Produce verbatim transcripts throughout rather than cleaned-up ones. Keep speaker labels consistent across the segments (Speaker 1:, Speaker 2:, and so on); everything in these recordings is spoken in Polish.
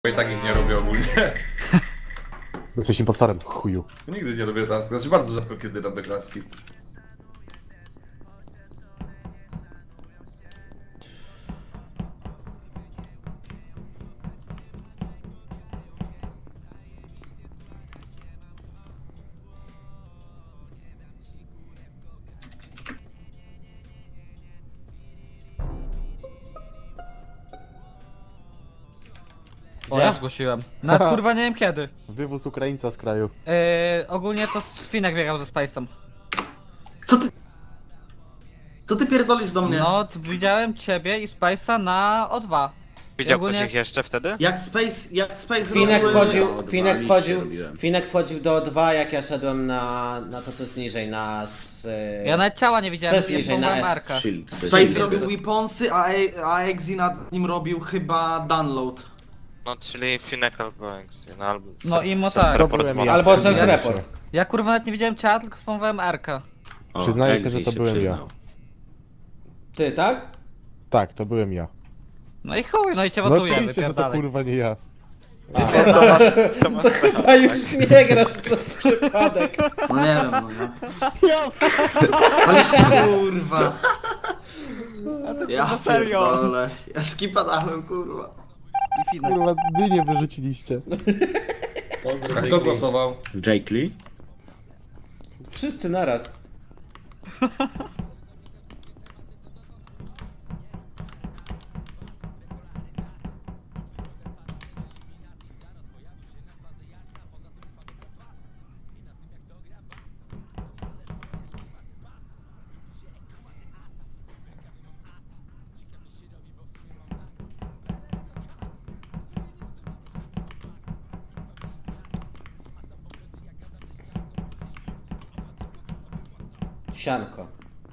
Speaker 1: Bo i tak ich nie robię ogólnie.
Speaker 2: Jesteś impostorem, chuju.
Speaker 1: Nigdy nie robię klaski, znaczy bardzo rzadko kiedy robię klaski.
Speaker 3: O, ja zgłosiłem. Na kurwa nie wiem kiedy.
Speaker 2: Wywóz Ukraińca z kraju.
Speaker 3: Yy, ogólnie to Finek biegał ze Space'em.
Speaker 4: Co ty... Co ty pierdolisz do mnie?
Speaker 3: No, t- widziałem ciebie i Space'a na O dwa.
Speaker 5: Widział
Speaker 3: Ogólnie-
Speaker 5: ktoś ich jeszcze wtedy?
Speaker 4: Jak Space, jak Space
Speaker 6: Finek
Speaker 4: robiły-
Speaker 6: wchodził,
Speaker 7: O dwa
Speaker 6: Finek
Speaker 7: liście
Speaker 6: wchodził,
Speaker 7: robiłem.
Speaker 6: Finek wchodził do O dwa, jak ja szedłem na, na to co jest niżej, na s,
Speaker 3: Ja nawet ciała nie widziałem,
Speaker 6: Co jest
Speaker 3: jest
Speaker 6: niżej, na S?
Speaker 3: Marka.
Speaker 7: Shield.
Speaker 4: Space robił weaponsy, a, E- a Exi nad nim robił chyba download.
Speaker 5: No, czyli Finek albo Exy, no albo...
Speaker 3: No
Speaker 5: self-
Speaker 3: i mo
Speaker 5: self
Speaker 3: tak.
Speaker 2: To
Speaker 5: report
Speaker 2: byłem
Speaker 5: może.
Speaker 2: ja.
Speaker 6: albo
Speaker 2: Przyznaję
Speaker 6: self-report.
Speaker 2: się.
Speaker 3: Ja kurwa nawet nie widziałem ciała, tylko spamowałem Arka.
Speaker 7: O,
Speaker 2: Przyznaję się,
Speaker 7: Exi
Speaker 2: że to byłem ja.
Speaker 7: przyznał.
Speaker 6: Ty, tak?
Speaker 2: Tak, to byłem ja.
Speaker 3: No i chuj, no i cię
Speaker 2: No
Speaker 3: wotujemy,
Speaker 2: oczywiście, że to
Speaker 3: wypierdalaj.
Speaker 2: kurwa nie ja.
Speaker 5: Co masz, co masz
Speaker 6: A już nie grasz przez przypadek.
Speaker 4: No nie wiem, no nie. Ale kurwa. Ja
Speaker 3: serio.
Speaker 4: pierdolę. Ja skipa dałem, kurwa.
Speaker 2: Kurwa, dynię wyrzuciliście.
Speaker 1: A kto głosował?
Speaker 7: Jake Lee?
Speaker 6: Wszyscy naraz. Sianko.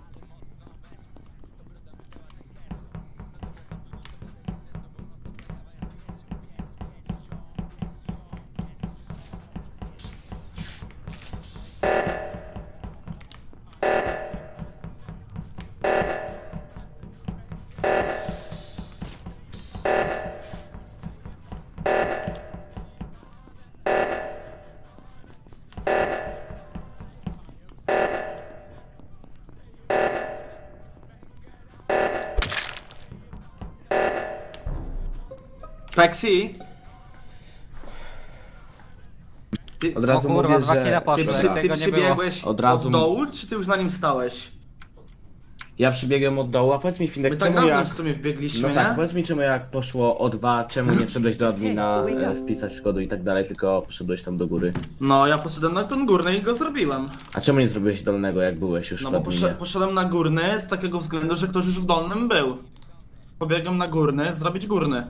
Speaker 4: Pexi? Ty,
Speaker 7: Od
Speaker 3: O
Speaker 7: razu
Speaker 3: kurwa,
Speaker 7: mówię,
Speaker 3: dwa kile
Speaker 7: że...
Speaker 4: ty,
Speaker 3: poszły,
Speaker 4: przy,
Speaker 3: jak
Speaker 4: ty
Speaker 3: tego nie było.
Speaker 4: przybiegłeś
Speaker 7: Od razu-
Speaker 4: od dołu, czy ty już na nim stałeś?
Speaker 7: Ja przybiegłem od dołu, a powiedz mi Finek,
Speaker 4: My tak
Speaker 7: czemu
Speaker 4: razem
Speaker 7: jak...
Speaker 4: w sumie wbiegliśmy,
Speaker 7: No tak,
Speaker 4: nie?
Speaker 7: powiedz mi czemu jak poszło o dwa, czemu nie wszedłeś do admina, e, wpisać kodu i tak dalej, tylko poszedłeś tam do góry.
Speaker 4: No, ja poszedłem na ten górny i go zrobiłem.
Speaker 7: A czemu nie zrobiłeś dolnego, jak byłeś już
Speaker 4: No
Speaker 7: w
Speaker 4: bo
Speaker 7: adminie?
Speaker 4: posze- poszedłem na górny z takiego względu, że ktoś już w dolnym był. Pobiegłem na górny, zrobić górny.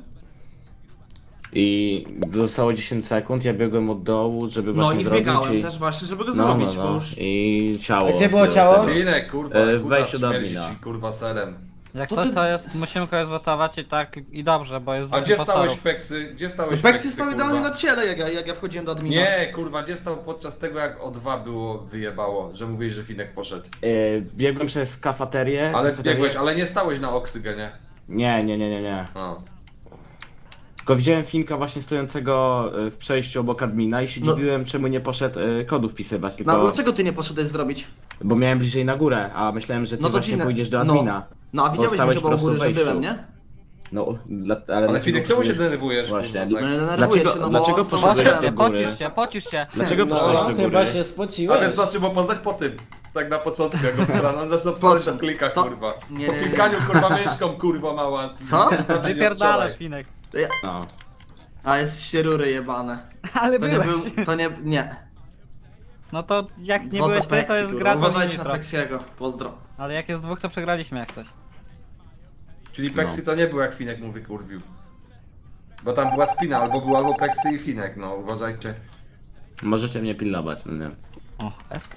Speaker 7: I zostało dziesięć sekund, ja biegłem od dołu, żeby
Speaker 4: No
Speaker 7: właśnie
Speaker 4: i
Speaker 7: zrobić
Speaker 4: wbiegałem
Speaker 7: i...
Speaker 4: też właśnie, żeby go
Speaker 7: No,
Speaker 4: zrobić,
Speaker 7: no,
Speaker 4: bo
Speaker 7: no.
Speaker 4: już...
Speaker 7: I ciało.
Speaker 6: A gdzie było
Speaker 7: było
Speaker 6: ciało?
Speaker 7: tego.
Speaker 1: Finek, kurwa,
Speaker 7: E,
Speaker 1: ale
Speaker 7: weź
Speaker 1: kutas
Speaker 7: do
Speaker 1: śmierdzi
Speaker 7: admina.
Speaker 1: ci, kurwa, serem.
Speaker 3: Jak
Speaker 4: Co
Speaker 3: coś
Speaker 4: ty-
Speaker 3: to jest, musimy kogoś zwotować i tak, i dobrze, bo jest
Speaker 1: A
Speaker 3: dwóch
Speaker 1: gdzie
Speaker 3: impostorów.
Speaker 1: stałeś, Peksy? Gdzie stałeś,
Speaker 4: Peksy stał
Speaker 1: kurwa?
Speaker 4: idealnie na ciele, jak ja, jak ja wchodziłem do admina.
Speaker 1: Nie, kurwa, gdzie stał podczas tego, jak o dwa było, wyjebało, że mówiłeś, że Finek poszedł.
Speaker 7: E, biegłem przez kafeterię.
Speaker 1: Ale
Speaker 7: kafeterię...
Speaker 1: biegłeś, ale nie stałeś na oksygenie.
Speaker 7: Nie, nie, nie, nie, nie.
Speaker 1: O.
Speaker 7: Tylko widziałem Finka właśnie stojącego e, w przejściu obok admina i się
Speaker 4: No.
Speaker 7: dziwiłem, czemu nie poszedł e, kodu wpisywać, tylko...
Speaker 4: No dlaczego ty nie poszedłeś zrobić?
Speaker 7: Bo miałem bliżej na górę, a myślałem, że ty
Speaker 4: No to
Speaker 7: właśnie
Speaker 4: ci na-
Speaker 7: pójdziesz do
Speaker 4: no.
Speaker 7: admina.
Speaker 4: No a
Speaker 7: Bo
Speaker 4: widziałeś mnie
Speaker 7: stałeś
Speaker 4: chyba
Speaker 7: po
Speaker 4: u góry,
Speaker 7: prostu
Speaker 4: że
Speaker 7: w wejściu.
Speaker 4: byłem, nie?
Speaker 7: No, dla, ale...
Speaker 1: Ale Finek, czemu się
Speaker 7: poszedłeś-
Speaker 1: denerwujesz,
Speaker 7: Właśnie,
Speaker 1: kurwa,
Speaker 4: No
Speaker 1: tak?
Speaker 4: nie denerwuję
Speaker 7: Dlaczego-
Speaker 4: się, no
Speaker 7: dlaczego
Speaker 4: bo
Speaker 7: poszedłeś
Speaker 3: Pocisz
Speaker 7: do
Speaker 3: się,
Speaker 7: góry?
Speaker 3: pocisz się, pocisz się.
Speaker 7: Dlaczego
Speaker 6: No,
Speaker 7: poszedłeś do góry?
Speaker 6: chyba się
Speaker 1: A
Speaker 6: spociłeś.
Speaker 1: więc znaczy, bo poznać po tym. Tak na początku, jak obsrano, on zaczął psać
Speaker 4: Po
Speaker 1: na klika,
Speaker 4: to-
Speaker 1: kurwa.
Speaker 4: nie,
Speaker 1: Po
Speaker 4: nie, nie.
Speaker 1: klikaniu, kurwa, myszką, kurwa, mała.
Speaker 4: Co?
Speaker 3: Wypierdalasz, Finek.
Speaker 7: No.
Speaker 4: A jesteście rury jebane.
Speaker 3: Ale
Speaker 4: To nie
Speaker 3: byłeś.
Speaker 4: był, to nie, nie.
Speaker 3: No to jak nie
Speaker 4: Woda
Speaker 3: byłeś ty, to
Speaker 4: Pexi,
Speaker 3: jest
Speaker 4: kurwa.
Speaker 3: gra do
Speaker 4: Uważajcie na
Speaker 3: nitro.
Speaker 4: Pexiego, pozdro.
Speaker 3: Ale jak jest dwóch, to przegraliśmy jak coś.
Speaker 1: Czyli Peksy to nie był, jak Finek mu wykurwił. Bo tam była spina, albo był albo Peksy i Finek, no uważajcie.
Speaker 7: Możecie mnie pilnować, no nie.
Speaker 3: O, jest.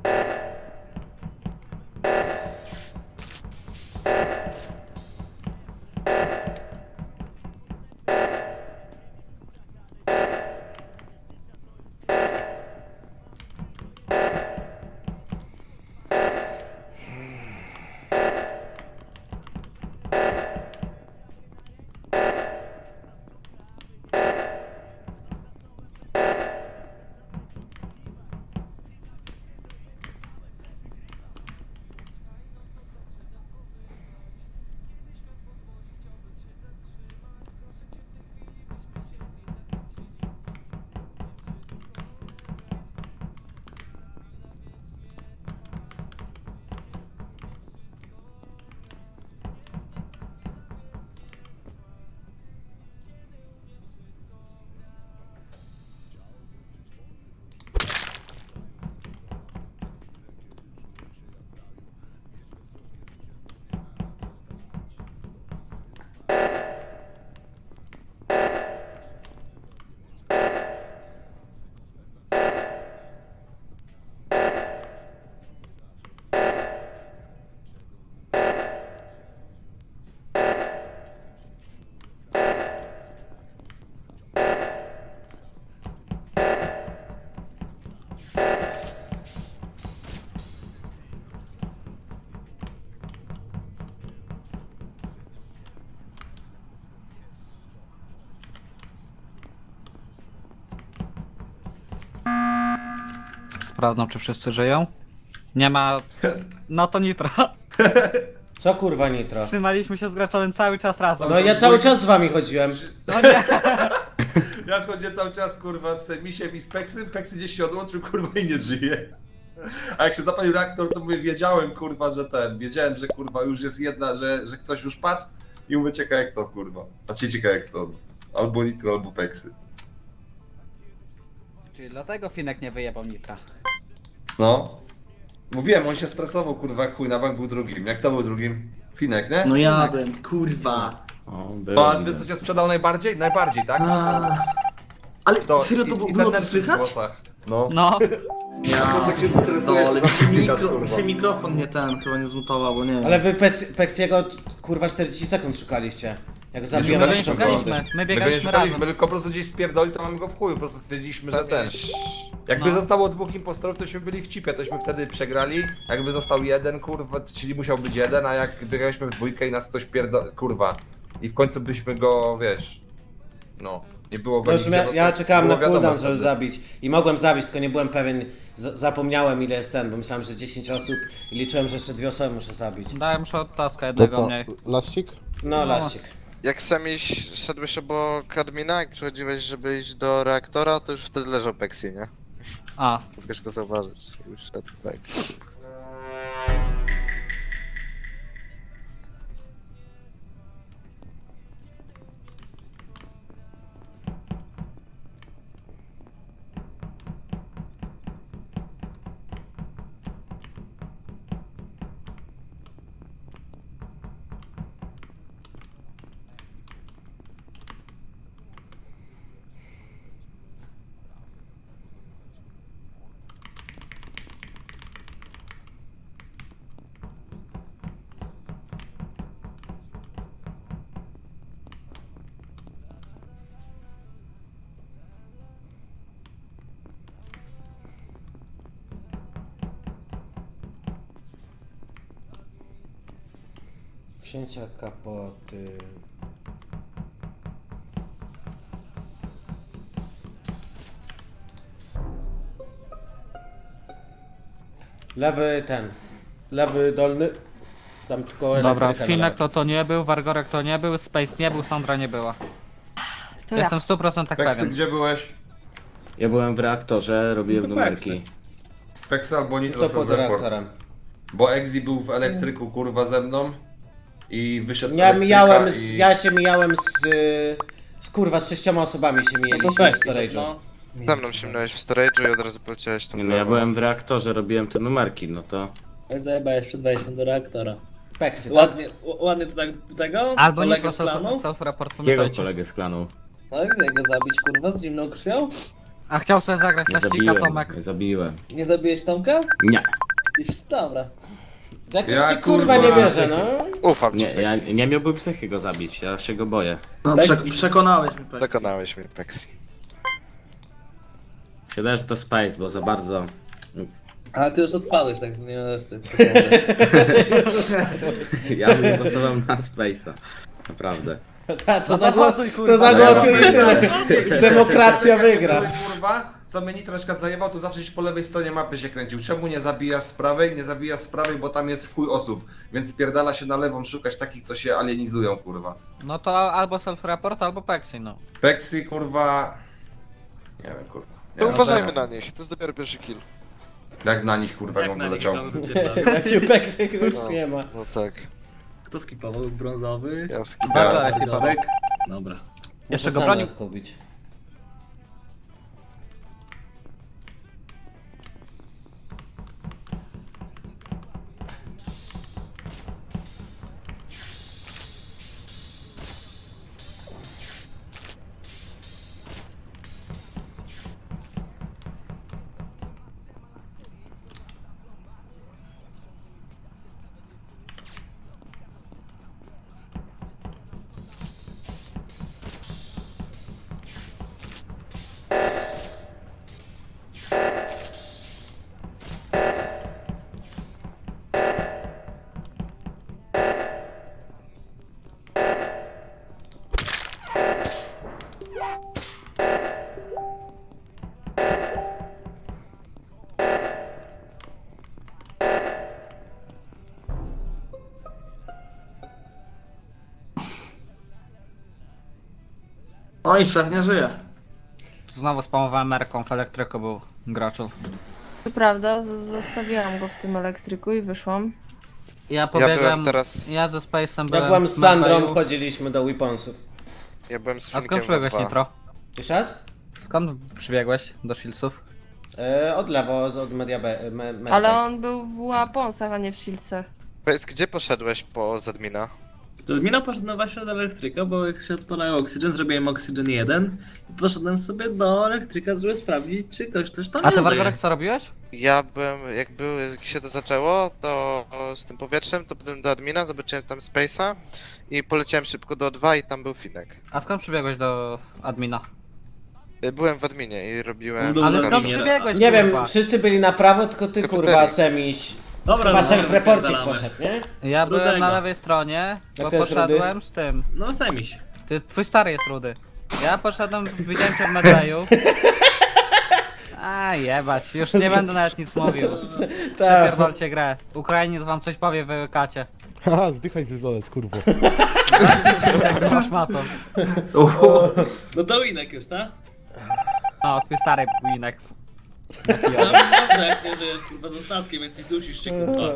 Speaker 3: Sprawdzam, czy wszyscy żyją. Nie ma... No to nitro.
Speaker 6: Co kurwa nitro?
Speaker 3: Trzymaliśmy się z Graczowym cały czas razem.
Speaker 6: No ja cały czas z wami chodziłem.
Speaker 3: No nie.
Speaker 1: Ja schodzę cały czas, kurwa, z Misiem i z Peksym, Peksy gdzieś się odłączył, kurwa, i nie żyje. A jak się zapalił reaktor, to mówię, wiedziałem, kurwa, że ten, wiedziałem, że kurwa już jest jedna, że, że ktoś już padł i mówię, ciekawe jak to, kurwa. Znaczy ciekawe jak to, albo Nitro, albo Peksy.
Speaker 3: Czyli dlatego Finek nie wyjebał nitra.
Speaker 1: No. Mówiłem, on się stresował, kurwa, jak chuj, na bank był drugim. Jak to był drugim? Finek, nie?
Speaker 4: No ja bym, kurwa.
Speaker 7: O,
Speaker 1: No,
Speaker 7: było
Speaker 1: a wiesz co cię sprzedał najbardziej? Najbardziej, tak?
Speaker 4: A, ale
Speaker 1: To,
Speaker 4: serio to
Speaker 1: i-
Speaker 4: było,
Speaker 1: i
Speaker 4: było
Speaker 1: ten
Speaker 4: to
Speaker 1: nerw w
Speaker 4: słychać?
Speaker 1: włosach. No.
Speaker 3: No.
Speaker 4: Ja,
Speaker 1: To, jak się stresujesz,
Speaker 4: ale
Speaker 1: to
Speaker 4: mi się,
Speaker 1: klikasz,
Speaker 4: mikro,
Speaker 1: kurwa.
Speaker 4: się mikrofon nie ten, chyba nie zmutował, bo nie wiem.
Speaker 6: Ale wy Peks- Peksiego kurwa czterdzieści sekund szukaliście. Jak zabiłem
Speaker 3: My
Speaker 6: na
Speaker 3: go nie
Speaker 6: początku
Speaker 3: szukaliśmy.
Speaker 6: rundy.
Speaker 3: My
Speaker 1: My go nie
Speaker 3: biegaliśmy
Speaker 1: szukaliśmy,
Speaker 3: razem.
Speaker 1: my tylko po prostu gdzieś spierdoli, to mamy go w chuju, po prostu stwierdziliśmy, że ten.
Speaker 5: Jakbyś...
Speaker 1: Jakby
Speaker 3: No.
Speaker 1: zostało dwóch impostorów, tośmy byli w cipie, tośmy wtedy przegrali. Jakby został jeden, kurwa, czyli musiał być jeden, a jak biegaliśmy w dwójkę i nas ktoś pierdol... kurwa. I w końcu byśmy go, wiesz... No, nie było go
Speaker 6: No już
Speaker 1: nigdzie,
Speaker 6: ja,
Speaker 1: no to
Speaker 6: ja czekałem na
Speaker 1: było wiadomo
Speaker 6: cooldown, żeby
Speaker 1: wtedy.
Speaker 6: zabić. I mogłem zabić, tylko nie byłem pewien. Z zapomniałem ile jest ten, bo myślałem, że dziesięć osób i liczyłem, że jeszcze dwie osoby muszę zabić.
Speaker 3: Dałem już od taska
Speaker 2: To
Speaker 3: jednego
Speaker 2: co,
Speaker 3: mniej.
Speaker 2: lascik?
Speaker 6: No,
Speaker 3: No.
Speaker 6: lasik.
Speaker 5: Jak sami szedłeś obok admina, jak przychodziłeś, żeby iść do reaktora, to już wtedy leżał Peksy, nie?
Speaker 3: A,
Speaker 5: Mogłeś go zauważyć. Już szedł tak.
Speaker 6: Księcia kapoty. Lewy ten. Lewy dolny. Tam tylko
Speaker 3: dobra,
Speaker 6: elektryka na
Speaker 3: Finek
Speaker 6: lewo.
Speaker 3: to to nie był, Wargorek to nie był, Space nie był, Sandra nie była.
Speaker 8: To ja.
Speaker 3: Jestem w stu procentach
Speaker 1: Peksy,
Speaker 3: pewien.
Speaker 1: gdzie byłeś?
Speaker 7: Ja byłem w reaktorze, robiłem
Speaker 9: No to
Speaker 7: numerki.
Speaker 1: Peksy albo Nitro
Speaker 6: To
Speaker 1: są
Speaker 6: pod
Speaker 1: w report.
Speaker 6: reaktorem.
Speaker 1: Bo Exi był w elektryku, kurwa, ze mną. I wyszedł z
Speaker 6: Ja
Speaker 1: elektryka
Speaker 6: mijałem z,
Speaker 1: i...
Speaker 6: ja się mijałem z, y, z kurwa z sześcioma osobami się mijaliśmy w storage'u.
Speaker 9: no.
Speaker 5: Ze mną się minąłeś w storage'u i od razu poleciałeś tam
Speaker 7: Nie,
Speaker 5: w
Speaker 7: no ja
Speaker 5: lewo.
Speaker 7: byłem w reaktorze, robiłem te numerki, no to...
Speaker 9: Zajebałeś przed wejściem do reaktora.
Speaker 6: Peksy, tak?
Speaker 9: Ładnie, ł- ładnie to tak tego?
Speaker 3: Albo
Speaker 9: kolegę
Speaker 3: Nitro
Speaker 9: z klanu?
Speaker 3: self-report,
Speaker 7: Jakiego
Speaker 3: pamiętajcie.
Speaker 7: kolegę z klanu?
Speaker 9: No jak go zabić kurwa z zimną krwią?
Speaker 3: A chciał sobie zagrać
Speaker 7: Nie
Speaker 3: plaścika,
Speaker 7: zabiłem,
Speaker 3: Tomek.
Speaker 7: nie zabiłem.
Speaker 9: Nie zabiłeś Tomka?
Speaker 7: Nie,
Speaker 9: Iż- Dobra.
Speaker 6: Jakoś
Speaker 1: Ja,
Speaker 6: ci kurwa
Speaker 1: kurwa,
Speaker 6: nie wierzę, no.
Speaker 5: Ufam ci,
Speaker 7: nie, ja
Speaker 5: Pexi.
Speaker 7: nie miałbym psychy go zabić, ja się go boję.
Speaker 4: No,
Speaker 9: Tak?
Speaker 4: prze przekonałeś mnie, Pexi.
Speaker 5: Przekonałeś mnie, Pexi.
Speaker 7: Siedzę, że to Space, bo za bardzo...
Speaker 9: Ale ty już odpadłeś, tak nie możesz ty posądzać.
Speaker 7: Ja bym głosował na Space'a. Naprawdę.
Speaker 6: Ta, to,
Speaker 3: No
Speaker 6: zagło
Speaker 3: zawoduj, kurwa.
Speaker 6: to zagłosuj i tyle. Demokracja wygra.
Speaker 1: Kurwa, co mnie Nitro na przykład zajebał, to zawsze gdzieś po lewej stronie mapy się kręcił. Czemu nie zabijasz z prawej? Nie zabijasz z prawej, bo tam jest w chuj osób. Więc spierdala się na lewą szukać takich, co się alienizują, kurwa.
Speaker 3: No to albo self-report, albo Pexi, no.
Speaker 1: Pexi, kurwa... Nie wiem, kurwa. Nie
Speaker 5: To
Speaker 1: wiem,
Speaker 5: uważajmy
Speaker 1: no,
Speaker 5: na nich, to jest dopiero pierwszy kill.
Speaker 1: Jak na nich, kurwa, jak on wyleciał.
Speaker 6: Jakie peksy już
Speaker 5: No,
Speaker 6: nie ma.
Speaker 5: no tak,
Speaker 9: Kto skipował? Brązowy?
Speaker 5: ja
Speaker 3: Bardzo
Speaker 5: skipałem.
Speaker 3: ekipował.
Speaker 9: Dorek? Dobra.
Speaker 3: Jeszcze
Speaker 6: Muszę
Speaker 3: go bronił.
Speaker 6: sam kupić.
Speaker 4: Oj, szef nie żyje.
Speaker 3: Znowu spamowałem Merką, w elektryku był graczu.
Speaker 8: To prawda, z- zostawiłam go w tym elektryku i wyszłam.
Speaker 3: Ja pobiegłem,
Speaker 5: byłem teraz-
Speaker 3: ja ze Space'em
Speaker 6: Jak
Speaker 3: byłem
Speaker 6: byłem z
Speaker 3: w
Speaker 6: Sandrą,
Speaker 3: Medbayu.
Speaker 6: chodziliśmy do Weaponsów.
Speaker 5: Ja byłem z
Speaker 3: A skąd
Speaker 5: Finkiem
Speaker 3: przybiegłeś,
Speaker 5: w dwa.
Speaker 3: Nitro?
Speaker 6: Jeszcze raz?
Speaker 3: Skąd przybiegłeś do Shieldsów?
Speaker 6: E, od lewo, od Media B. Me, me,
Speaker 8: Ale on był w Łaponsach, a nie w Shieldsach.
Speaker 5: Powiedz, gdzie poszedłeś po Zadmina?
Speaker 9: To Mina poszedł właśnie do elektryka, bo jak się odpalają Oxygen, zrobiłem Oxygen jeden i poszedłem sobie do elektryka, żeby sprawdzić, czy ktoś coś tam
Speaker 3: A
Speaker 9: nie
Speaker 3: ty,
Speaker 9: żyje.
Speaker 3: Wargorek, co robiłeś?
Speaker 5: Ja byłem, jak, był, jak się to zaczęło, to z tym powietrzem, to byłem do admina, zobaczyłem tam Space'a i poleciałem szybko do O dwa i tam był Finek.
Speaker 3: A skąd przybiegłeś do admina?
Speaker 5: Y, Byłem w adminie i robiłem...
Speaker 9: Był
Speaker 3: Ale
Speaker 9: za
Speaker 3: skąd
Speaker 9: adminie.
Speaker 3: przybiegłeś,
Speaker 6: Nie wiem,
Speaker 3: kurwa?
Speaker 6: wszyscy byli na prawo, tylko ty
Speaker 5: Kafeterii.
Speaker 6: kurwa Semiś.
Speaker 9: Dobra,
Speaker 6: Chyba
Speaker 9: no,
Speaker 6: self-reporcik
Speaker 9: wypierdalamy.
Speaker 6: poszedł, nie?
Speaker 3: Ja byłem
Speaker 9: Rudego.
Speaker 3: na lewej stronie,
Speaker 6: Jak
Speaker 3: bo
Speaker 6: to jest
Speaker 3: poszedłem z tym.
Speaker 9: No semiś.
Speaker 3: Ty, twój stary jest rudy. Ja poszedłem, widziałem cię w Medbayu. A jebać, już nie będę nawet nic mówił.
Speaker 6: Tak.
Speaker 3: Pierdolcie grę. Ukrainiec wam coś powie, wy kacie.
Speaker 2: Haha, zdychaj ze zolec, kurwo.
Speaker 3: Masz matą.
Speaker 9: No to Winek już, tak?
Speaker 3: No, twój stary winek.
Speaker 9: Sam dobrze, jak nie żyjesz kurwa z ostatkiem, więc i dusisz się kurwa.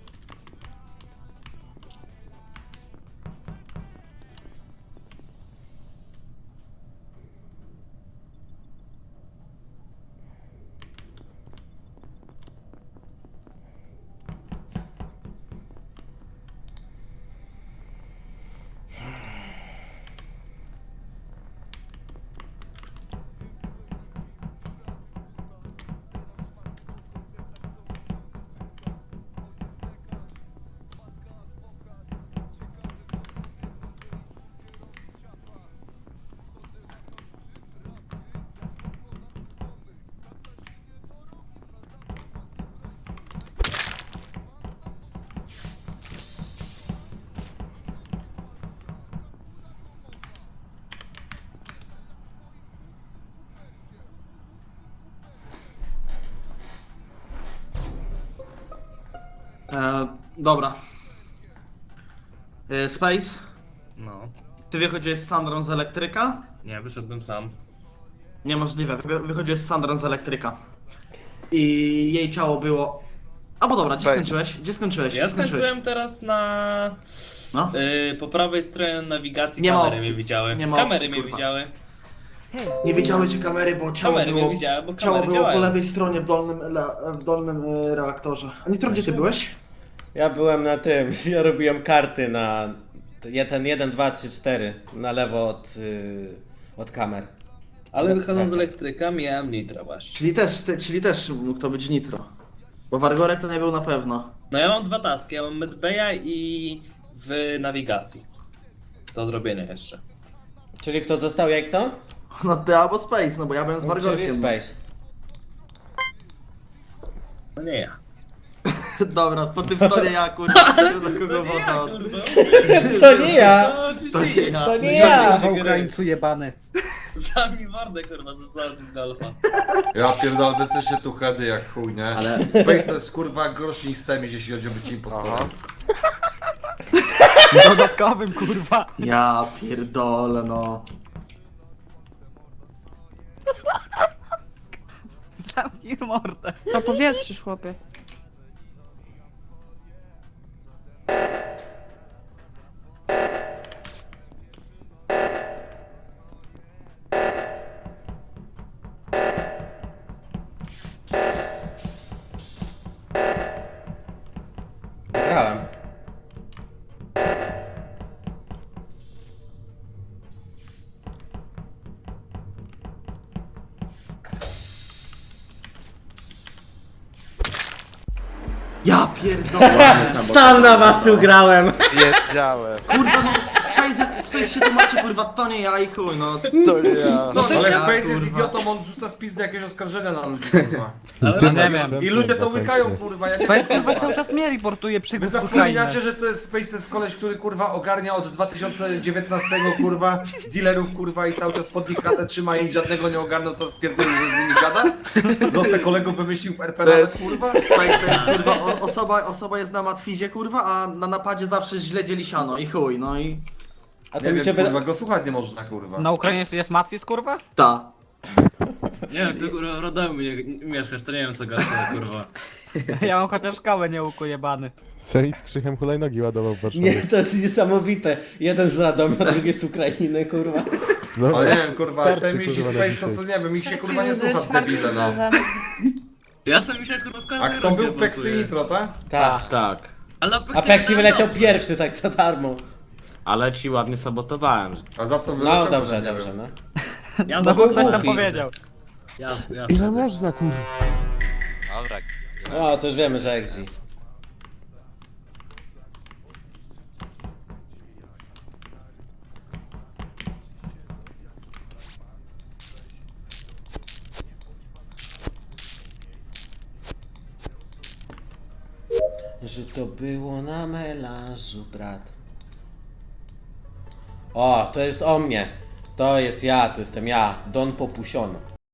Speaker 4: E, dobra. E, Space,
Speaker 9: No.
Speaker 4: ty wychodziłeś z Sandrą z elektryka?
Speaker 9: Nie, wyszedłem sam.
Speaker 4: Niemożliwe, wy, wychodziłeś z Sandrą z elektryka. I jej ciało było... A bo dobra, gdzie
Speaker 5: Space.
Speaker 4: skończyłeś? Gdzie skończyłeś?
Speaker 9: Ja
Speaker 4: Gdzie skończyłeś?
Speaker 9: skończyłem teraz na...
Speaker 4: No.
Speaker 9: Y, po prawej stronie nawigacji
Speaker 4: Nie ma
Speaker 9: kamery
Speaker 4: opcji.
Speaker 9: mnie widziały.
Speaker 4: Nie ma
Speaker 9: kamery
Speaker 4: opcji,
Speaker 9: mnie
Speaker 4: kurwa.
Speaker 9: widziały.
Speaker 4: Nie wiedziały ci kamery, bo ciało
Speaker 9: Kamery
Speaker 4: było...
Speaker 9: mnie widziały, bo
Speaker 4: Ciało
Speaker 9: kamery
Speaker 4: było po
Speaker 9: działają.
Speaker 4: lewej stronie w dolnym, ele- w dolnym e, reaktorze. A Nitro, gdzie ty byłeś?
Speaker 6: Ja byłem na tym, ja robiłem karty na ten jeden, dwa, trzy, cztery na lewo od, y, od kamer.
Speaker 9: Ale
Speaker 6: Tak,
Speaker 9: wychodząc z
Speaker 6: tak.
Speaker 9: elektryka miałem nitra właśnie.
Speaker 4: Czyli też, te, czyli też mógł to być Nitro. Bo Wargorek to nie był na pewno.
Speaker 9: No ja mam dwa taski, ja mam medbaya i w nawigacji. Do zrobienia jeszcze.
Speaker 6: Czyli kto został, jak to?
Speaker 4: No ty albo Space, no bo ja byłem z
Speaker 6: Czyli
Speaker 4: Wargorkiem.
Speaker 6: Space.
Speaker 9: No nie ja.
Speaker 4: Dobra, po tym to nie ja, kurwa, do kogo woda.
Speaker 9: kurwa.
Speaker 6: To nie ja!
Speaker 9: To oczywiście
Speaker 4: To nie ja.
Speaker 6: To nie ja!
Speaker 3: Po Ukraińcu jebany.
Speaker 9: Sami wardę kurwa za z golfa.
Speaker 1: Ja pierdolę, wy jesteście tu hedy jak chuj, nie?
Speaker 7: Ale
Speaker 1: Space to jest kurwa gorszy niż Semi, jeśli chodzi o bycie impostorem.
Speaker 5: Aha.
Speaker 3: Dodatkowym, kurwa.
Speaker 4: Ja pierdolę, no.
Speaker 3: Zamknij mordę.
Speaker 8: To powietrzysz, chłopie.
Speaker 6: Wygrałem.
Speaker 4: Ja pierdolę.
Speaker 6: Sam na was ugrałem!
Speaker 5: Wiedziałem.
Speaker 4: Kurwa, no Space, Space się tłumaczy, kurwa, to nie ja i chuj, no.
Speaker 5: To nie ja.
Speaker 4: No
Speaker 1: Ale
Speaker 4: ja,
Speaker 1: Space jest
Speaker 4: kurwa.
Speaker 1: idiotą, on rzuca spizdy jakieś oskarżenia na ludzi, kurwa.
Speaker 9: Ale
Speaker 3: No nie wiem.
Speaker 1: I ludzie to łykają, kurwa, jak
Speaker 3: Space kurwa cały czas mnie reportuje
Speaker 1: Wy
Speaker 3: przygód z Ukrainy.
Speaker 1: zapominacie, że to jest Space, to jest koleś, który kurwa ogarnia od dwa tysiące dziewiętnastego kurwa dealerów kurwa i cały czas pod nich kratę trzyma i żadnego nie ogarnął, co spierdolił, że z nimi gada? Że se kolegów wymyślił w R P nawet, kurwa?
Speaker 4: Space to jest, kurwa, o, osoba, osoba jest na matwizie, kurwa, a na napadzie zawsze źle dzieli siano i chuj, no i...
Speaker 6: A to
Speaker 1: Nie
Speaker 6: mi
Speaker 1: wiem,
Speaker 6: się
Speaker 1: kurwa,
Speaker 6: wyda...
Speaker 1: go słuchać nie można, kurwa.
Speaker 3: Na Ukrainie jest matwis, kurwa?
Speaker 4: Ta.
Speaker 9: Nie wiem, ty kurwa w Radomiu mieszkasz, to nie wiem co gorsza, kurwa.
Speaker 3: Ja mam chociaż kałę nie jebany.
Speaker 2: Semi z krzychem hulajnogi ładował w Warszawie.
Speaker 6: Nie, to jest niesamowite. Jeden z Radomia, drugi z Ukrainy, kurwa.
Speaker 2: No,
Speaker 1: Ale nie wiem, kurwa,
Speaker 2: starczy,
Speaker 1: Semi i
Speaker 2: kurwa, na
Speaker 1: Space to
Speaker 2: dzisiaj.
Speaker 1: co, nie wiem, ich się
Speaker 8: Trzeci
Speaker 1: kurwa nie
Speaker 8: loser,
Speaker 1: słucha,
Speaker 8: czwarty
Speaker 1: debile, no.
Speaker 8: loser.
Speaker 9: Ja sam mi się kurwa w
Speaker 1: A
Speaker 9: każdej
Speaker 1: kto
Speaker 9: rundzie
Speaker 1: był Peksy
Speaker 9: blokuję.
Speaker 1: Nitro, tak?
Speaker 6: Tak.
Speaker 7: tak.
Speaker 9: Ale na
Speaker 6: A
Speaker 9: Pexie
Speaker 6: Pexi
Speaker 9: grałem
Speaker 6: wyleciał
Speaker 9: dobrze.
Speaker 6: pierwszy, tak za darmo.
Speaker 7: Ale ci ładnie sabotowałem.
Speaker 1: A za co wyleciał?
Speaker 6: No
Speaker 1: to
Speaker 6: dobrze,
Speaker 1: nie
Speaker 6: dobrze,
Speaker 1: wiem.
Speaker 6: no.
Speaker 9: Ja
Speaker 3: No
Speaker 9: za
Speaker 3: bo ktoś tam
Speaker 6: głupi.
Speaker 3: powiedział.
Speaker 9: Jasne, jasne.
Speaker 2: Ile można, kurwa?
Speaker 5: Dobra.
Speaker 6: O, to już wiemy, że Exis. Że to było na melanżu, brat. O, to jest o mnie. To jest ja, to jestem ja, Don Popusion.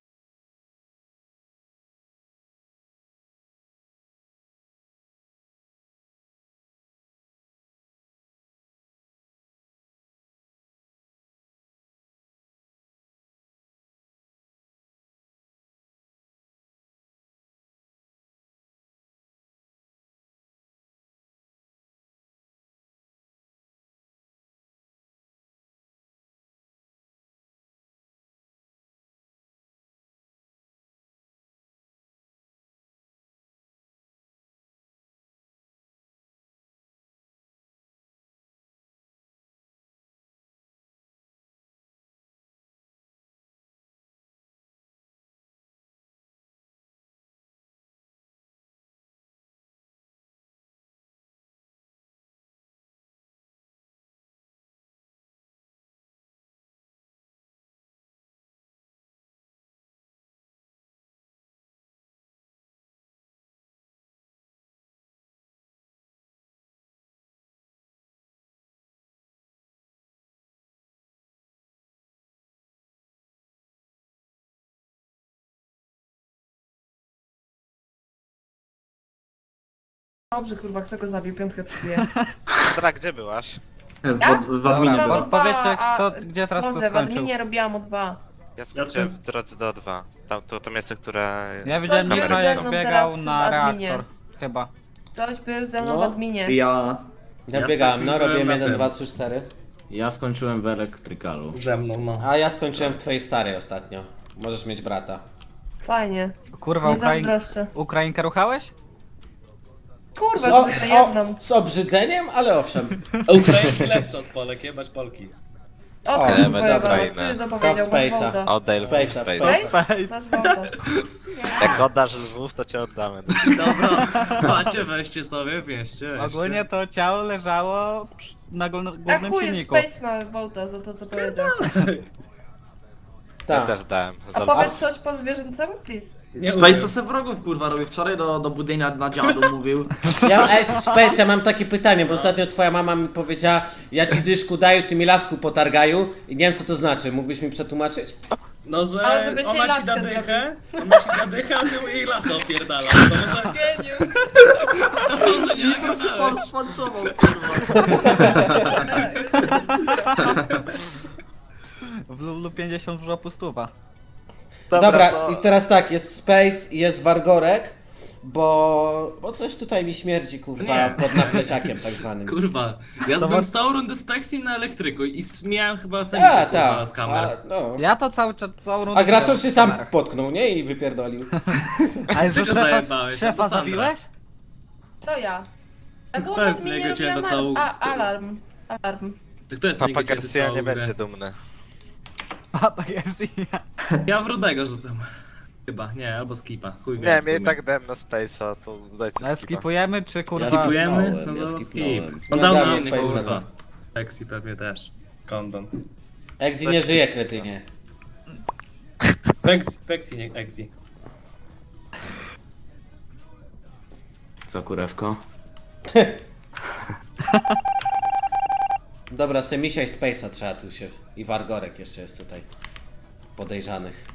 Speaker 8: Dobrze, kurwa, kto go zabił? Piątkę przybiję.
Speaker 5: Sandra, gdzie byłaś?
Speaker 4: W,
Speaker 8: Ja?
Speaker 4: w, w adminie
Speaker 3: Dobra,
Speaker 4: była.
Speaker 8: bo-
Speaker 3: Powiedzcie,
Speaker 8: a-
Speaker 3: kto, gdzie teraz
Speaker 8: Może,
Speaker 3: kto
Speaker 8: w
Speaker 3: skończył.
Speaker 8: adminie robiłam o dwa.
Speaker 5: Ja skończyłem w drodze do O dwa. Tam to, to miejsce, które...
Speaker 3: Ja widziałem,
Speaker 8: Ktoś
Speaker 3: że
Speaker 8: był ze
Speaker 3: jak
Speaker 8: mną
Speaker 3: biegał
Speaker 8: teraz w
Speaker 3: na
Speaker 8: adminie.
Speaker 3: reaktor. Chyba.
Speaker 8: Ktoś był ze mną
Speaker 6: No.
Speaker 8: w adminie.
Speaker 4: Ja...
Speaker 6: Ja
Speaker 4: Ja
Speaker 6: biegałem, no
Speaker 4: skończyłem
Speaker 6: robiłem
Speaker 4: na
Speaker 6: jeden,
Speaker 4: tym.
Speaker 6: dwa, trzy, cztery.
Speaker 7: Ja skończyłem w elektrykalu.
Speaker 9: Ze mną, no.
Speaker 6: A ja skończyłem w twojej starej ostatnio. Możesz mieć brata.
Speaker 8: Fajnie.
Speaker 3: Kurwa,
Speaker 8: Nie
Speaker 3: Ukrain...
Speaker 8: zazdroszczę.
Speaker 3: Ukrainkę ruchałeś?
Speaker 8: Kurwa,
Speaker 6: Z, o,
Speaker 8: żeby
Speaker 6: z,
Speaker 8: to jedną.
Speaker 6: o, z obrzydzeniem, ale owszem.
Speaker 9: A Ukrainki lepsze od Polek, jebać Polki.
Speaker 8: O,
Speaker 6: O,
Speaker 8: ty
Speaker 6: nie,
Speaker 8: kurwa,
Speaker 5: Ukrainę.
Speaker 8: który to
Speaker 6: To
Speaker 8: powiedział? Masz
Speaker 6: Space'a.
Speaker 8: wołta.
Speaker 5: Oddaj
Speaker 6: Space'a,
Speaker 5: Space.
Speaker 6: Space'a.
Speaker 8: Space? Masz wołta.
Speaker 5: Jak oddasz lwów, to cię oddamy.
Speaker 9: Dobra, macie, weźcie sobie, wieście, weźcie.
Speaker 3: Ogólnie to ciało leżało przy- na gól-
Speaker 8: A
Speaker 3: głównym
Speaker 8: chuj,
Speaker 3: silniku.
Speaker 8: Space ma wołta za to, co powiedział.
Speaker 5: Ja
Speaker 6: Tak.
Speaker 5: też dałem.
Speaker 8: A
Speaker 5: Za
Speaker 8: powiesz coś po zwierzęcemu, please?
Speaker 9: Nie
Speaker 4: Space
Speaker 9: umiem.
Speaker 4: to se wrogów kurwa robił. Wczoraj do, do budynia na dziadu mówił.
Speaker 6: Ja, ej, Space, ja mam takie pytanie, bo ostatnio twoja mama mi powiedziała, ja ci dyszku daju, ty mi lasku potargaju i nie wiem co to znaczy, mógłbyś mi przetłumaczyć?
Speaker 9: No, że
Speaker 8: Ale żeby się
Speaker 9: ona ci
Speaker 8: laskę
Speaker 9: da dychę, ona ci da dychę, a ty jej lasę opierdala. To może,
Speaker 8: Geniusz!
Speaker 9: to może nie nagadałeś.
Speaker 1: szpanczował,
Speaker 3: W Lulu pięćdziesiąt w żopu stuwa.
Speaker 6: Dobra,
Speaker 5: to-
Speaker 6: i teraz tak, jest Space i jest Wargorek, bo, bo coś tutaj mi śmierdzi, kurwa,
Speaker 9: Nie.
Speaker 6: pod napleciakiem tak zwanym.
Speaker 9: Kurwa, ja
Speaker 3: To
Speaker 9: byłem
Speaker 3: was-
Speaker 9: całą rundę z Pexim na elektryku i s- miałem chyba
Speaker 6: A,
Speaker 9: sędzię kurwa
Speaker 6: tak,
Speaker 9: z kamer.
Speaker 6: a, no.
Speaker 3: Ja to cały czas, całą rundę...
Speaker 6: A Graczol się sam
Speaker 3: kamerach.
Speaker 6: potknął, nie? I wypierdolił.
Speaker 3: A że
Speaker 9: Ty go
Speaker 3: szefa,
Speaker 9: zajebałeś,
Speaker 3: szefa
Speaker 9: albo Sandra.
Speaker 3: zabiłeś?
Speaker 8: To ja. A
Speaker 9: Kto
Speaker 8: głowę
Speaker 9: jest
Speaker 8: mi nie
Speaker 9: niego cię
Speaker 8: robiłam
Speaker 9: na całą-
Speaker 8: a, alarm. Alarm.
Speaker 9: Kto jest
Speaker 5: Papa
Speaker 9: nigdy kiedy
Speaker 5: Garcia
Speaker 9: całą
Speaker 5: nie
Speaker 9: grę?
Speaker 5: będzie dumny.
Speaker 3: Papa Garcia.
Speaker 9: Ja w Rudego rzucam. Chyba, nie, albo skipa, chuj wie
Speaker 5: Nie,
Speaker 9: w
Speaker 5: mnie i
Speaker 9: sumie.
Speaker 5: tak dałem na Space'a, to dajcie
Speaker 3: Ale
Speaker 5: skipa.
Speaker 3: skipujemy, czy kurwa...
Speaker 9: Skipujemy?
Speaker 7: skipnąłem,
Speaker 9: No
Speaker 7: ja
Speaker 9: to skip.
Speaker 7: skipnąłem.
Speaker 9: On
Speaker 6: No
Speaker 9: dał
Speaker 6: damy
Speaker 9: na inny
Speaker 6: Space'a,
Speaker 9: kurwa.
Speaker 6: no.
Speaker 9: Pexi pewnie też. Kondon.
Speaker 6: Exi nie żyje, kretynie.
Speaker 9: Pexi, Pexi, nie Exi.
Speaker 7: Co kurewko?
Speaker 6: Dobra, Semisia i Space'a trzeba tu się... I Wargorek jeszcze jest tutaj. Podejrzanych.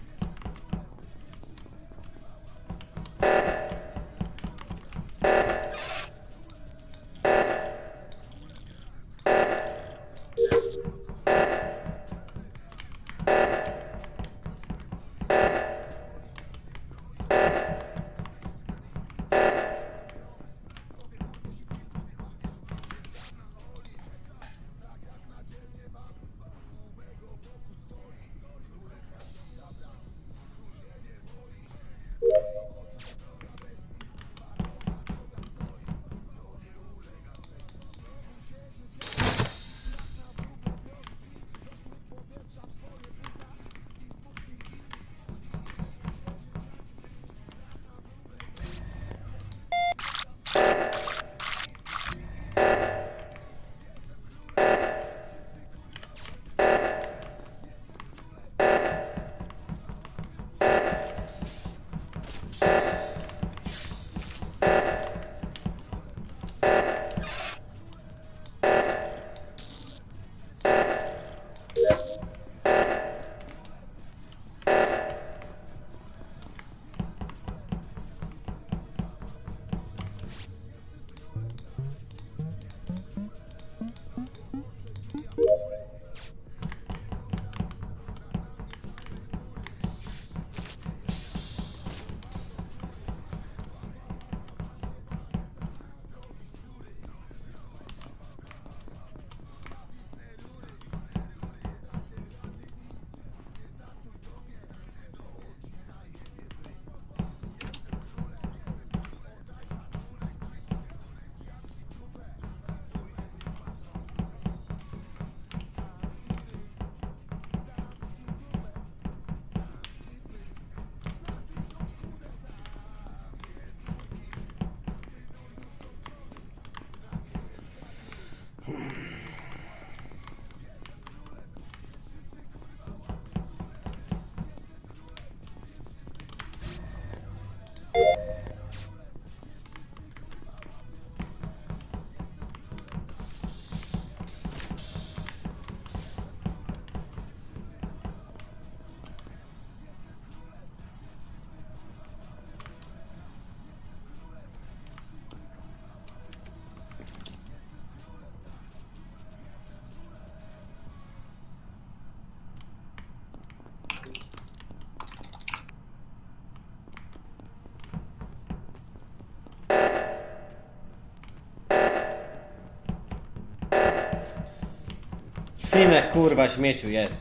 Speaker 6: Finek, kurwa, śmieciu jest.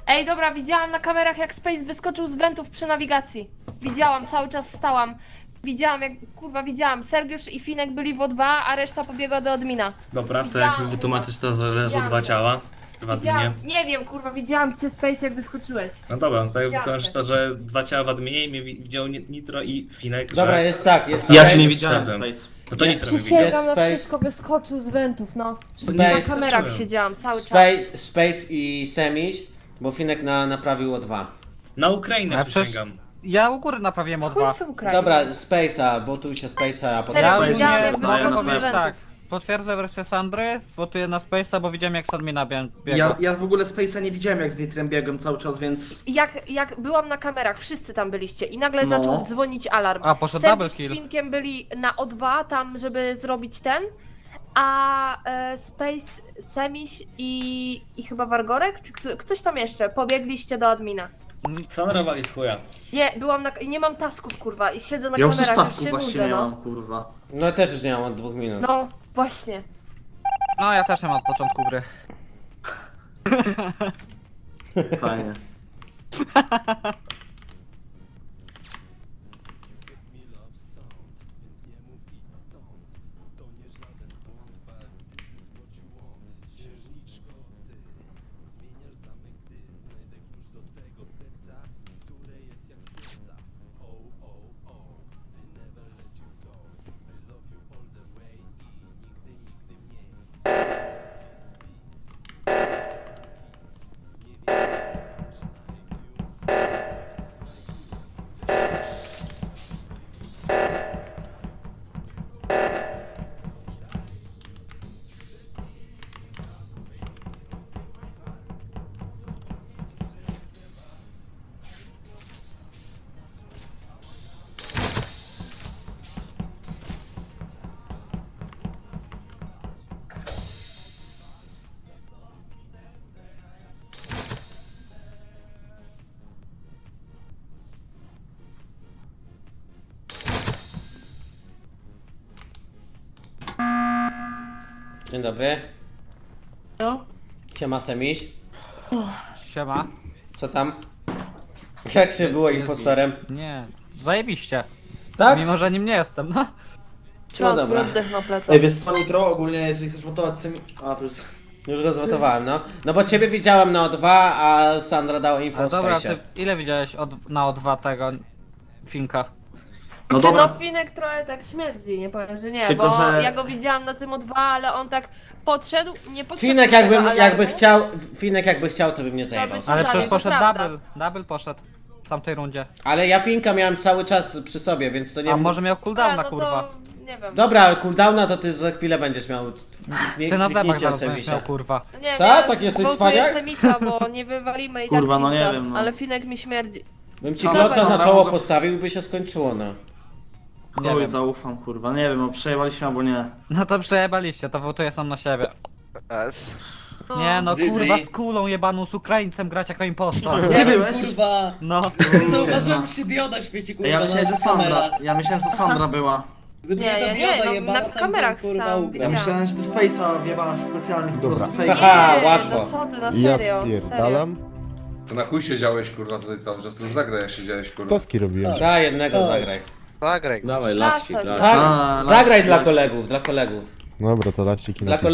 Speaker 8: Ej, dobra, widziałam na kamerach, jak Space wyskoczył z wentów przy nawigacji. Widziałam, cały czas stałam. Widziałam, jak, kurwa, widziałam. Sergiusz i Finek byli w O dwa, a reszta pobiegła do admina.
Speaker 9: Dobra, to jak mi wytłumaczysz to, że leżą dwa ciała w adminie.
Speaker 8: Widziałam, nie wiem, kurwa, widziałam cię, Space, jak wyskoczyłeś.
Speaker 9: No dobra, no to jak
Speaker 8: Ja
Speaker 9: wytłumaczysz
Speaker 8: cię.
Speaker 9: to, że dwa ciała w adminie i mnie wi- widział Ni- Nitro i Finek,
Speaker 6: Dobra,
Speaker 9: że...
Speaker 6: jest tak, jest
Speaker 4: Ja
Speaker 6: Space-
Speaker 4: cię nie widziałem,
Speaker 9: Szedłem.
Speaker 4: Space.
Speaker 9: No to
Speaker 6: Jest-
Speaker 9: Nitro mnie widział.
Speaker 8: Przysięgam na
Speaker 6: Space.
Speaker 8: wszystko, wyskoczył z wentów, no. Na
Speaker 6: Space,
Speaker 8: kamerach
Speaker 9: Space.
Speaker 8: siedziałam cały czas.
Speaker 6: Space, Space i Semiś, bo Finek na, naprawił O dwa.
Speaker 9: Na Ukrainę
Speaker 3: Ale przecież
Speaker 9: przysięgam.
Speaker 3: ja u góry naprawiłem o dwa.
Speaker 8: Chuj z Ukrainy.
Speaker 6: Dobra, Space'a, bo tu się Space'a, a potem...
Speaker 8: Teraz
Speaker 3: Ja
Speaker 8: widziałam,
Speaker 3: nie-
Speaker 8: jak
Speaker 3: no,
Speaker 8: wyskoczył
Speaker 4: no,
Speaker 8: z
Speaker 3: wiesz,
Speaker 8: wentów.
Speaker 3: tak. Potwierdzę wersję Sandry, wotuję na Space'a, bo widziałem jak z admina bie- biegł.
Speaker 4: Ja, ja w ogóle Space'a nie widziałem jak z Nitrem biegłem cały czas, więc...
Speaker 8: Jak, jak byłam na kamerach, wszyscy tam byliście i nagle
Speaker 4: No.
Speaker 8: zaczął dzwonić alarm.
Speaker 3: A, poszedł
Speaker 8: Sergiusz
Speaker 3: double
Speaker 8: z
Speaker 3: kill.
Speaker 8: Finkiem byli na O dwa tam, żeby zrobić ten, a e, Space, Semiś i, i chyba Wargorek, czy kto, ktoś tam jeszcze, pobiegliście do admina.
Speaker 9: Sandra wali z chuja.
Speaker 8: Nie, byłam na, nie mam tasków, kurwa, i siedzę na
Speaker 4: Ja już też
Speaker 8: kamerach,
Speaker 4: tasków
Speaker 8: się
Speaker 4: właśnie
Speaker 8: nudzę,
Speaker 4: nie
Speaker 8: no.
Speaker 4: mam, kurwa.
Speaker 6: No też już nie mam od dwóch minut.
Speaker 8: No, właśnie.
Speaker 3: No ja też nie mam od początku gry.
Speaker 4: Fajnie.
Speaker 6: Dzień dobry.
Speaker 8: No.
Speaker 6: Siema Semiś.
Speaker 3: Siema.
Speaker 6: Co tam? Jak się było impostorem?
Speaker 3: Nie, zajebiście.
Speaker 6: Tak?
Speaker 3: Mimo, że nim nie jestem, no.
Speaker 8: Trzymam
Speaker 6: No
Speaker 8: swój
Speaker 6: dobra.
Speaker 8: oddech na plecach.
Speaker 4: Ej, wiesz co, Nitro, ogólnie jeżeli chcesz wotować Semi... A, to jest...
Speaker 6: Już go zwotowałem, no. No bo ciebie widziałem na O dwa, a Sandra dała info
Speaker 3: A
Speaker 6: o
Speaker 3: dobra,
Speaker 6: Space'ie.
Speaker 3: ty ile widziałeś od, na O dwa tego Finka?
Speaker 4: No
Speaker 8: Czy
Speaker 4: dobra,
Speaker 8: no Finek trochę tak śmierdzi, nie powiem, że nie,
Speaker 4: Tylko,
Speaker 8: bo
Speaker 4: że-
Speaker 8: ja go widziałam na tym O dwa, ale on tak podszedł, nie podszedł
Speaker 6: Finek
Speaker 8: do tego
Speaker 6: jakby,
Speaker 8: alarmu.
Speaker 6: jakby chciał, Finek jakby chciał, to by mnie zajebał.
Speaker 8: by co
Speaker 3: Ale
Speaker 8: dalej,
Speaker 3: przecież
Speaker 8: to
Speaker 3: poszedł
Speaker 8: prawda.
Speaker 3: double, double poszedł w tamtej rundzie.
Speaker 6: Ale ja Finka miałem cały czas przy sobie, więc to nie...
Speaker 3: A może miał
Speaker 8: Dobra,
Speaker 3: cooldowna,
Speaker 8: no
Speaker 3: kurwa.
Speaker 8: to nie wiem.
Speaker 6: Dobra, cooldowna to ty za chwilę będziesz miał. Nie,
Speaker 3: Ty na zębach
Speaker 6: kliknijcie
Speaker 3: zaraz będziesz
Speaker 6: Semisia.
Speaker 3: miał, kurwa.
Speaker 8: Nie
Speaker 6: Ta?
Speaker 8: wiem,
Speaker 6: Tak jesteś
Speaker 8: wołtuję
Speaker 6: cwaniak?
Speaker 8: Semisia, bo nie wywalimy i
Speaker 4: Kurwa,
Speaker 8: tak
Speaker 4: no nie
Speaker 8: Finka,
Speaker 4: wiem, no.
Speaker 8: ale Finek mi śmierdzi.
Speaker 6: Bym ci
Speaker 4: Co?
Speaker 6: kloca na
Speaker 4: Dobra,
Speaker 6: czoło
Speaker 4: mogę-
Speaker 6: postawił i by się skończyło, no.
Speaker 3: Nie
Speaker 4: chuj,
Speaker 3: wiem.
Speaker 4: zaufam, kurwa. Nie wiem, no przejebaliśmy albo nie.
Speaker 3: No to przejebaliście, to wotuję sam na siebie.
Speaker 5: Es.
Speaker 3: Nie no,
Speaker 9: G G.
Speaker 3: kurwa, z kulą jebaną, z Ukraińcem grać jako impostor.
Speaker 4: Ty byłeś?
Speaker 9: Kurwa!
Speaker 3: No.
Speaker 9: Zauważyłem, czy dioda świeci, kurwa,
Speaker 4: Ej, ja myślałem, że Sandra.
Speaker 9: kamerach.
Speaker 4: Ja myślałem, że Sandra była.
Speaker 9: Gdyby
Speaker 8: Nie,
Speaker 9: ta
Speaker 8: ja nie,
Speaker 9: dioda
Speaker 8: no,
Speaker 9: jebana,
Speaker 8: na
Speaker 9: tam
Speaker 8: kamerach
Speaker 9: bym, kurwa,
Speaker 8: sam
Speaker 9: ugrał.
Speaker 4: Ja
Speaker 8: widziałam.
Speaker 4: myślałem, że ty Space'a wiewałaś specjalnie po prostu fake.
Speaker 6: Haha,
Speaker 8: Nie,
Speaker 6: łatwo.
Speaker 8: no co ty, na
Speaker 2: Ja
Speaker 8: serio, serio.
Speaker 2: spierdalam.
Speaker 1: To na chuj siedziałeś kurwa tutaj cały czas, to już zagraj jak siedziałeś kurwa.
Speaker 2: Toski robiłem.
Speaker 6: Da, jednego zagraj.
Speaker 5: Zagraj.
Speaker 7: Dawaj,
Speaker 8: Klasa,
Speaker 7: lasik,
Speaker 8: że-
Speaker 7: lasik.
Speaker 6: Tak,
Speaker 4: A,
Speaker 6: zagraj
Speaker 4: las-
Speaker 6: dla
Speaker 4: las-
Speaker 6: kolegów, dla kolegów.
Speaker 2: Dobra, to laściki
Speaker 6: Dla
Speaker 2: na